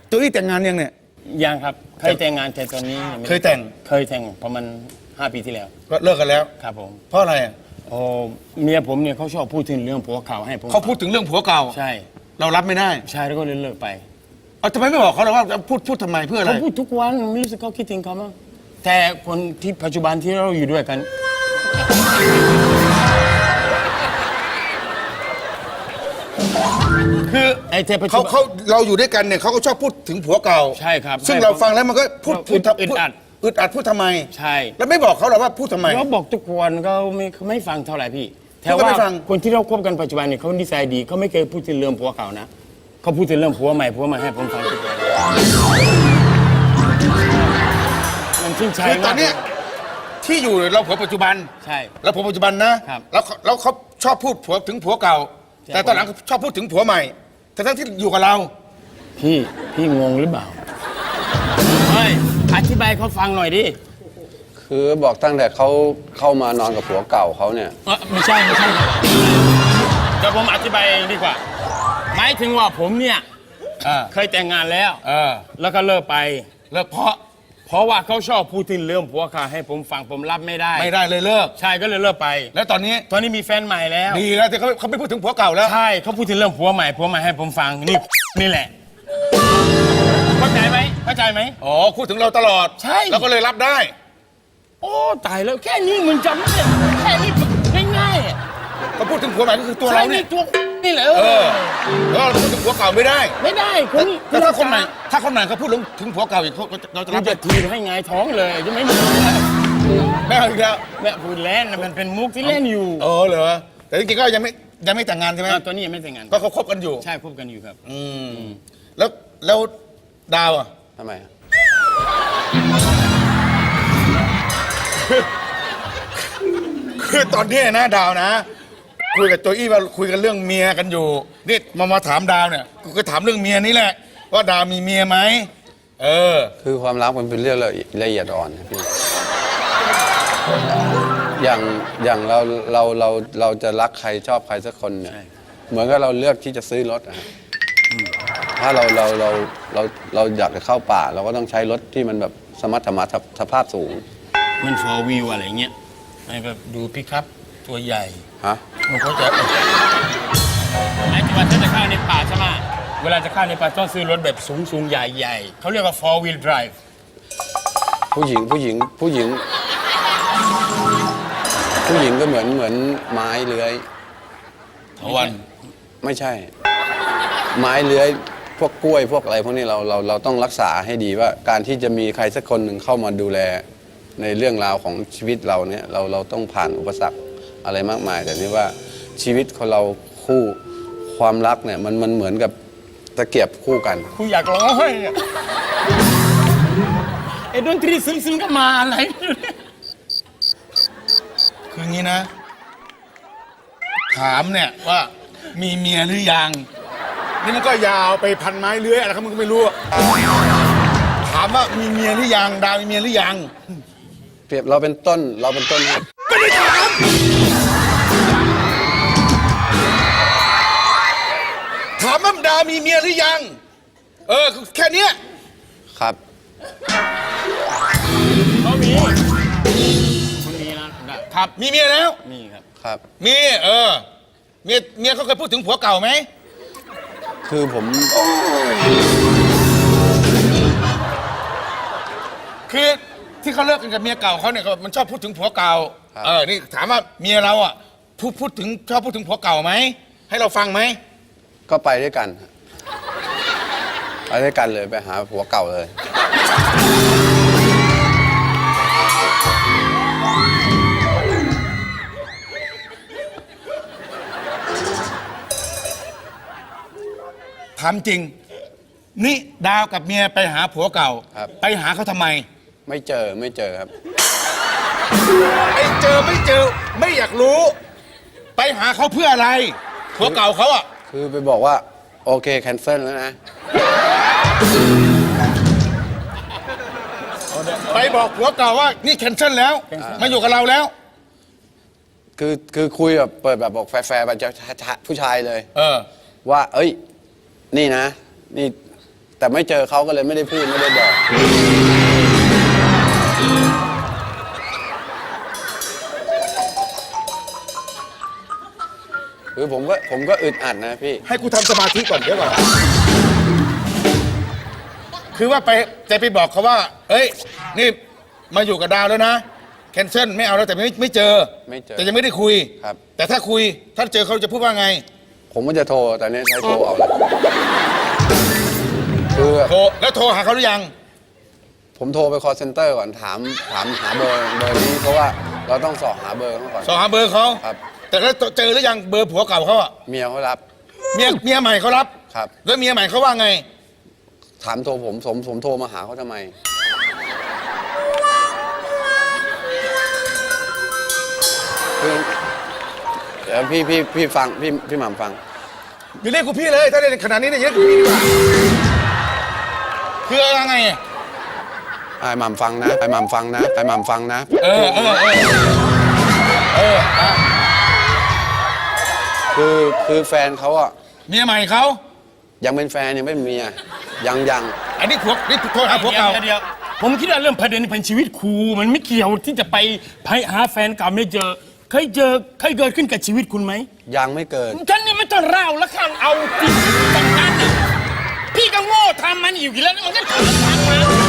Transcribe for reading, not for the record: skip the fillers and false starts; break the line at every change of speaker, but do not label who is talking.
ตัวอี้แต่งงานยังเนี่ย
ยังครับเคยแต่งงานแต่ตอนนี้ยังไม่
เคยแต่ง
เคยแต่งประมาณ5 ปีที่แล้ว
ก็เลิกกันแล้ว
ครับผม
เพราะอะไรอะ
โอ้เมียผมเนี่ยเขาชอบพูดถึงเรื่องผัวเก่าให้ผม
เขาพูดถึงเรื่องผัวเก่า
ใช่
เรารับไม่ได้
ใช่แล้วก็เลยเลิกไป
เอาทำไมไม่บอกเขาเลยว่าพูดทำไมเพื่ออะไร
เขาพูดทุกวันไม่รู้สึกเขาคิดถึงเขามั้งแต่คนที่ปัจจุบันที่เราอยู่ด้วยกัน
คือ
ไอ้เทปัจจุ
เขา
บัน
เราอยู่ด้วยกันเนี่ยเขาก็ชอบพูดถึงผัวเก่า
ใช่ครับ
ซึ่ง
ใช่
เราฟังแล้วมันก็พูด
อึดอัด
อึดอัดพูดทำไม
ใช่
แล้วไม่บอกเขาหรอว่าพูดทำไม
เขาบอกทุกวันเขาไม่ฟังเท่าไหร่พี่แต่
เขาก็
ว่า
ไม่ฟัง
คนที่เราคบกันปัจจุบันเนี่ยเขานิสัยดีเขาไม่เคยพูดถึงเรื่องผัวเก่านะเขาพูดถึงเรื่องผัวใหม่ให้ผมฟังทุกวันมันชื่นใจ
คือต
มา
อก นเนี้ยที่อยู่เราผัวปัจจุบัน
ใช่
เราผัวปัจจุบันนะครับ แล้วเขาชอบพูดผัวถึงผัวเก่า
ใช่
แต่ตอนหลังเขาชอบพูดถึงผัวใหม่ทั้งที่อยู่กับเรา
พี่งงหรือเปล่าเฮ้ยอธิบายเขาฟังหน่อยดิ
คือบอกตั้งแต่เขาเข้ามานอนกับผัวเก่าเขาเนี่ย
ไม่ใช่ครับเดี๋ยวผมอธิบายดีกว่าหมายถึงว่าผมเนี่ย เคยแต่งงานแล้วแล้วก็เลิกไป
เลิก
เพราะว่าเขาชอบพูดถึงเรื่องผัวค่ะให้ผมฟังผมรับไม่ได้
ไม่ได้เลยเลิก
ใช่ก็เลยเลิกไป
แล้วตอนนี้
ตอนนี้มีแฟนใหม่แล้ว
ดีแล้วที่เขาไม่พูดถึงผัวเก่าแล้ว
ใช่เขาพูดถึงเรื่องผัวใหม่ให้ผมฟังนี่แหละเข้าใจไหม
อ๋อพูดถึงเราตลอด
ใช่
แล้วก็เลยรับได้
โอ้ตายแล้วแค่นี้มึงจำได้แค่นี้ง่ายๆอ่ะ
เขาพูดถึงผัวใหม่ก็คือตัว
ใช่
เราเนี่ย
ตัวนี่แหละ
แล้วเราพูดถึงผัวเก่าไม่ได้
ไม่ได้คน
แล้วถ้าคนใหม่เขาพูดถึงผัวเก่าอีกเราจะ
รั
รั
บบ จะ
ได้
ทีให้ไงายท้องเลยจะไม่มี
ไม่เอาอีกแล้ว
แม่พูดเล่นนะมันเป็นมุกที่เล่นอยู่
เหรอแต่จริงๆก็ยังไม่แต่งงานใช่ไหม
ตอนนี้ยังไม่แต่งงาน
ก็เขาคบกันอยู่
ใช่คบกันอยู่ครับ
แล้วดาวอ่ะ
ทำไมอะ
คือตอนนี้นะดาวนะ คุยกับโจอี้ว่าคุยกันเรื่องเมียกันอยู่นี่มาถามดาวเนี่ยกูก็ถามเรื่องเมียนี่แหละ ว่าดาวมีเมียไหม
คือความรักมันเป็นเรื่องละเอียดอ่อนนะพี่อย่างเราจะรักใครชอบใครสักคนเนี่ยเหมือนกับเราเลือกที่จะซื้อรถอะฮะถ้าเราอยากจะเข้าป่า เราก็ต้องใช้รถที่มันแบบสมรรถภาพสูง
มันฟอร์วิวอะไรเงี้ยแบบดูพิคัพตัวใหญ่
ฮะ
มันก็จะไอ้ที่ว่าถ้าจะเข้าในป่าใช่ไหมเวลาจะเข้าในป่าต้องซื้อรถแบบสูงใหญ่เขาเรียกว่า four wheel drive
ผู้หญิงก็เหมือนไม้เลื้อย
ถวัน
ไม่ใช่ ไม้เลื้อยพวกกล้วยพวกอะไรพวกนี้เราต้องรักษาให้ดีว่าการที่จะมีใครสักคนหนึ่งเข้ามาดูแลในเรื่องราวของชีวิตเราเนี่ยเราต้องผ่านอุปสรรคอะไรมากมาย แต่นี่ว่าชีวิตของเราคู่ความรักเนี่ยมันเหมือนกับตะเกียบคู่กัน
กูอยากร้องไห้อะไอ้ดนตรีซึ้งๆก็มาอะไรไม่รู้เนี่ย
คืองี้นะ ถามเนี่ยว่ามีเมียหรือยังนี่มันก็ยาวไปพันไม้เลื้อยอะไรครับมึงก็ไม่รู้อะถามว่ามีเมียหรือยังดาวมีเมียหรือยัง
เปรียบเราเป็นต้นเหตุ
ไม่ได้ถามถามว่าดาวมีเมียหรือยังแค่เนี้ย
ครับ
เขามีนะครับ
มีเมียแล้ว
นี่ครับ
ครับ
มีเมียเขาเคยพูดถึงผัวเก่าไหม
คือผม
คือที่เขาเลิกกันกับเมียเก่าเขาเนี่ยมันชอบพูดถึงผัวเก่านี่ถามว่าเมียเราอ่ะพูดถึงชอบพูดถึงผัวเก่าไหมให้เราฟังไหม
ก็ไปด้วยกันไปด้วยกันเลยไปหาผัวเก่าเลย
ถามจริง นี่ดาวกับเมียไปหาผัวเก่า
ครับ
ไปหาเขาทำไม
ไม่เจอครับ
ไอ้เจอไม่อยากรู้ ไปหาเขาเพื่ออะไรผัวเก่าเขาอ่ะ
คือไปบอกว่าโอเคแคนเซิลแล้วนะ
ไปบอกผัวเก่าว่านี่แคนเซิลแล้วมาอยู่กับเราแล้ว
คือคุยแบบเปิดแบบบอกแฟร์ๆไปจะผู้ชายเลย
เออ
ว่า เอ้ย นี่นะ นี่แต่ไม่เจอเขาก็เลยไม่ได้พูดไม่ได้บอก คือผมก็อึดอัดนะพี่
ให้กูทำสมาธิก่อนเดี๋ยวก่อนคือว่าจะไปบอกเขาว่า เอ้ยนี่มาอยู่กับดาวแล้วนะแคนเซิลไม่เอาแล้วแต่ไม่เจอ
ไม่เจอ
แต่ยังไม่ได้คุย
ครับ
แต่ถ้าคุยถ้าเจอเขาจะพูดว่าไง
ผมก็จะโทรแต่เนี้ยใช้โทรเอาเลยคือ
โทรแล้วโทรหาเขาหรือยัง
ผมโทรไป call center ก่อนถามหาเบอร์นี้เพราะว่าเราต้องสอบหาเบอร์เขาก่อน
สอบหาเบอร์เขา
ครับ
แต่แล้วเจอหรือยังเบอร์ผัวเก่าเขาอะ
เมียเขารับ
เมียใหม่เขารับ
ครับ
แล้วเมียใหม่เขาว่าไง
ถามโทรผมโทรมาหาเขาทำไมคือเดี๋ยวพี่ฟังพี่หม่ำฟัง
อย่าเรียกกูพี่เลยถ้าในขนาดนี้เนี่ยเรียกกูพี่ดีกว่าคืออะไรไง
ไอ้หม่ำฟังนะไอ้หม่ำฟังนะไอ้หม่ำฟังนะ คือแฟนเขาอะ
เมียใหม่เขา
ยังเป็นแฟนยังไม่เป็นเมียยัง
อันนี้ผัวนี่โทรหาผัวเก่า
เดี๋ยวผมคิดว่าเรื่องประเด็นเป็นชีวิตครูมันไม่เกี่ยวที่จะไปหาแฟนเก่าไม่เจอเคยเกิดขึ้นกับชีวิตคุณไหม
ยังไม่เกิด
ฉันนี่ไม่ต้องเล่าแล้วข้างเอาจริงจังนั้นน่ะพี่ก็โง่ทำมันอยู่กี่แล้วมันก็ทำมา